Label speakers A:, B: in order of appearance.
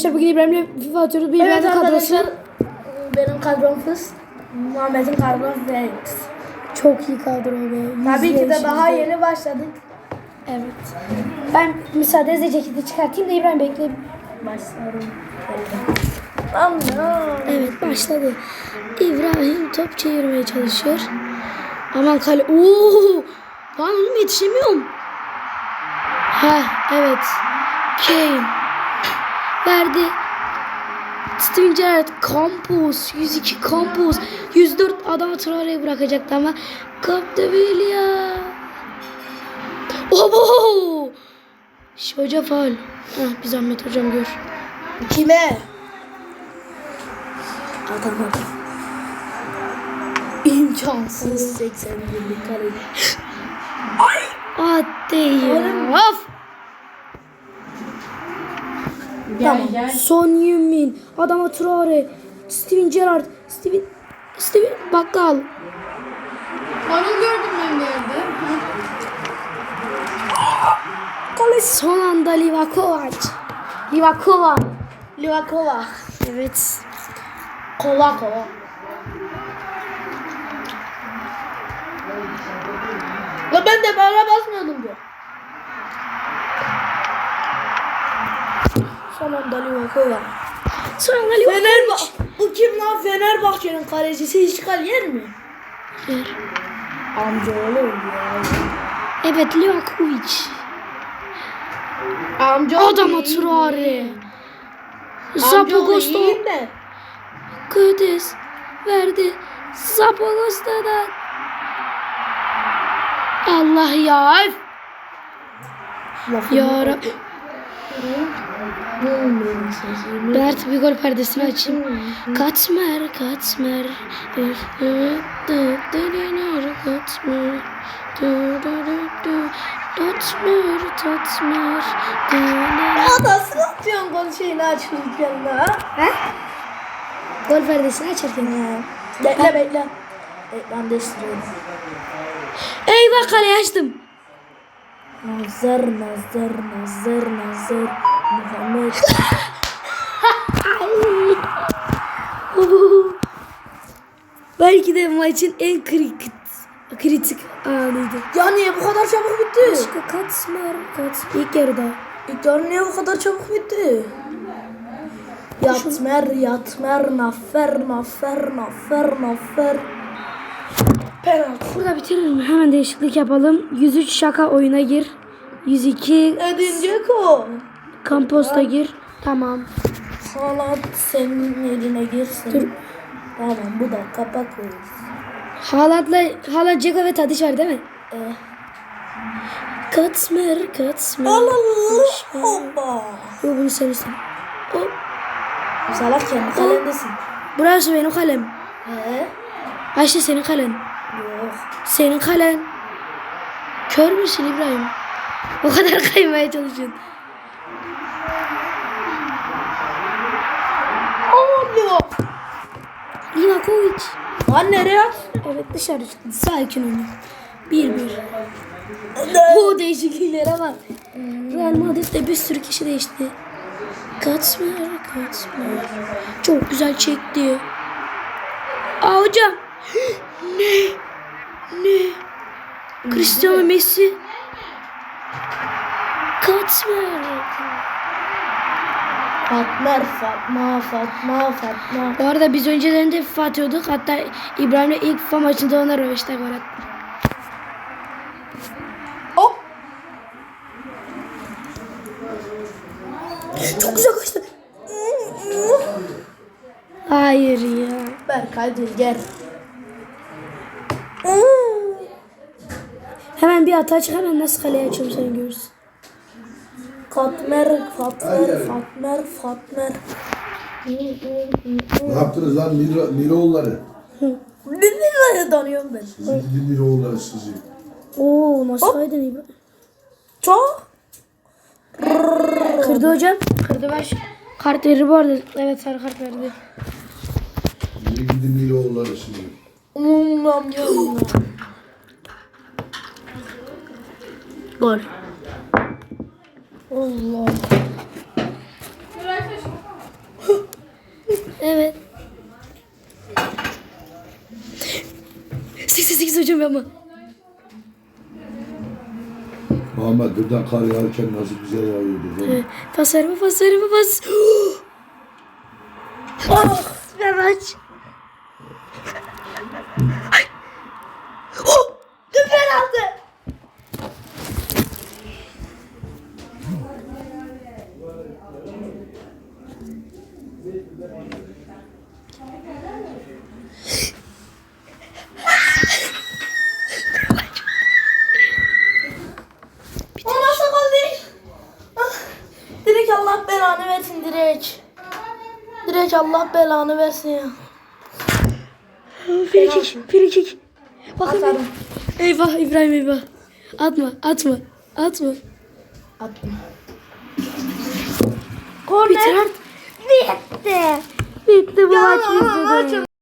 A: arkadaşlar bugün İbrahim'le FIFA atıyoruz. Bir
B: Evet
A: İbrahim'in
B: arkadaşlar,
A: kadrosu.
B: benim kadrom fıs. Muhammed'in kadrom Vex.
A: Çok iyi kadro be.
B: Tabii ki de daha
A: %100.
B: yeni başladık.
A: Evet. Ben müsaadenizle ceketi çıkartayım da İbrahim bekle.
B: Başlarım. Allah.
A: Evet başladı. İbrahim top çevirmeye çalışıyor. Aman kale. Oo! Lan oğlum yetişemiyorum. Ha evet. Kane. Verdi. Steven Gerrard. Campos. 102 Campos. 104 adamı Traore'ye bırakacaktı ama Capdevilla. Obo! Hoca faul. Hah bir zahmet hocam gör.
B: Kime? Atamadım. İmkansız 81'lik kare.
A: Hadi ya. Of.
B: Tamam.
A: Son Heung-min. Adama Traore. Steven Gerrard. Steven Bakkal.
C: Onu gördüm ben bir yerde.
A: Son anda Livakovac.
B: Livakova.
A: Evet.
B: Kova kova. La ben de böyle basmıyordum diyor. Son anda Livakova.
A: Son anda Livakovac.
B: Bu kim lan? Fenerbahçe'nin kalecisi hiç kal yer mi?
A: Yer.
B: Amcaoğlu ya.
A: Evet Livakovic.
B: Amcaoğlu
A: Adama
B: iyi.
A: Traore.
B: Amcaoğlu
A: Zapagosto.
B: iyiyim de.
A: Kudüs. Verdi. Zapagosto'dan. Allah ya. Ya Rab. Ben artık bir gol perdesini açayım. Katmer. Katmer.
B: Ya nasıl atıyorsun gol şeyini açırken la?
A: He? Gol perdesini açarken.
B: Bekle. Ekran değiştiriyorum.
A: Eyvah kaleyi açtım.
B: Nazar Muhammed.
A: Belki de maçın en kritik anıydı.
B: Ya niye bu kadar çabuk bitti?
A: Başka Katmer. İlk yarıda.
B: İlk yarı niye bu kadar çabuk bitti? Yatmer, nafer. Penaltı.
A: Burada bitirelim. Hemen değişiklik yapalım. 103 şaka oyuna gir. 102
B: Edinecek o.
A: Campos'ta gir. Tamam.
B: Haaland senin eline girsin.
A: Dur.
B: Tamam bu da kapak koyuyoruz.
A: Haaland, Dzeko ve Tadiç var değil mi? Katmer.
B: Hoppa.
A: Yok bunu sen iste. Hop.
B: Salak kendi kalendesin.
A: Burası benim kalem.
B: He?
A: Ayşe senin kalen.
B: Yok.
A: Senin kalen. Kör müsün İbrahim? O kadar kaymaya çalışıyorsun.
B: Allah.
A: Livakovic.
B: Lan nereye at?
A: Evet dışarı çıktı. Sakin olun. 1-1. O değişikliklere bak. Real Madrid'de bir sürü kişi değişti. Katmer. Çok güzel çekti. Aa hocam. Ne? Cristiano Messi. Katmer.
B: Fatma.
A: Bu arada biz önceden de FIFA atıyorduk. Hatta İbrahim'le ilk FIFA maçında ona röveşte gol attı.
B: Hop.
A: Çok güzel kaçtı. Hayır ya.
B: Berkay Dilger.
A: Hemen bir hata çık, hemen nasıl kaleye açıyorum sen görürsün.
B: Fatmer.
D: Ne yaptınız lan Miroğulları?
B: Nereye danıyorum ben?
D: Sizi gidin Miroğulları sizi.
A: Oo nasıl kaydın İbrahim?
B: Çok.
A: Kırdı hocam. Kırdı baş. Kart verir bu arada. Evet sarı kart verdi.
D: Sizi gidin Miroğulları sizi.
B: Gol. Allah.
A: atacağım ama.
D: Muhammed birden kar yağarken nasıl güzel yağıyordu. Değil mi?
A: Pas verme pas verme pas. Oh, ver aç.
B: Oh! Dur penaltı. O nasıl gol değil? Ah, direkt Allah belanı versin direkt. Direkt Allah belanı versin ya.
A: Frikik. Bakın.
B: Atarım.
A: Eyvah İbrahim eyvah. Atma.
B: Attım.
A: Bitir
B: Korner.
A: artık.
B: Bitti.
A: Bitti bu
B: Ya,
A: maç
B: maç
A: bizde.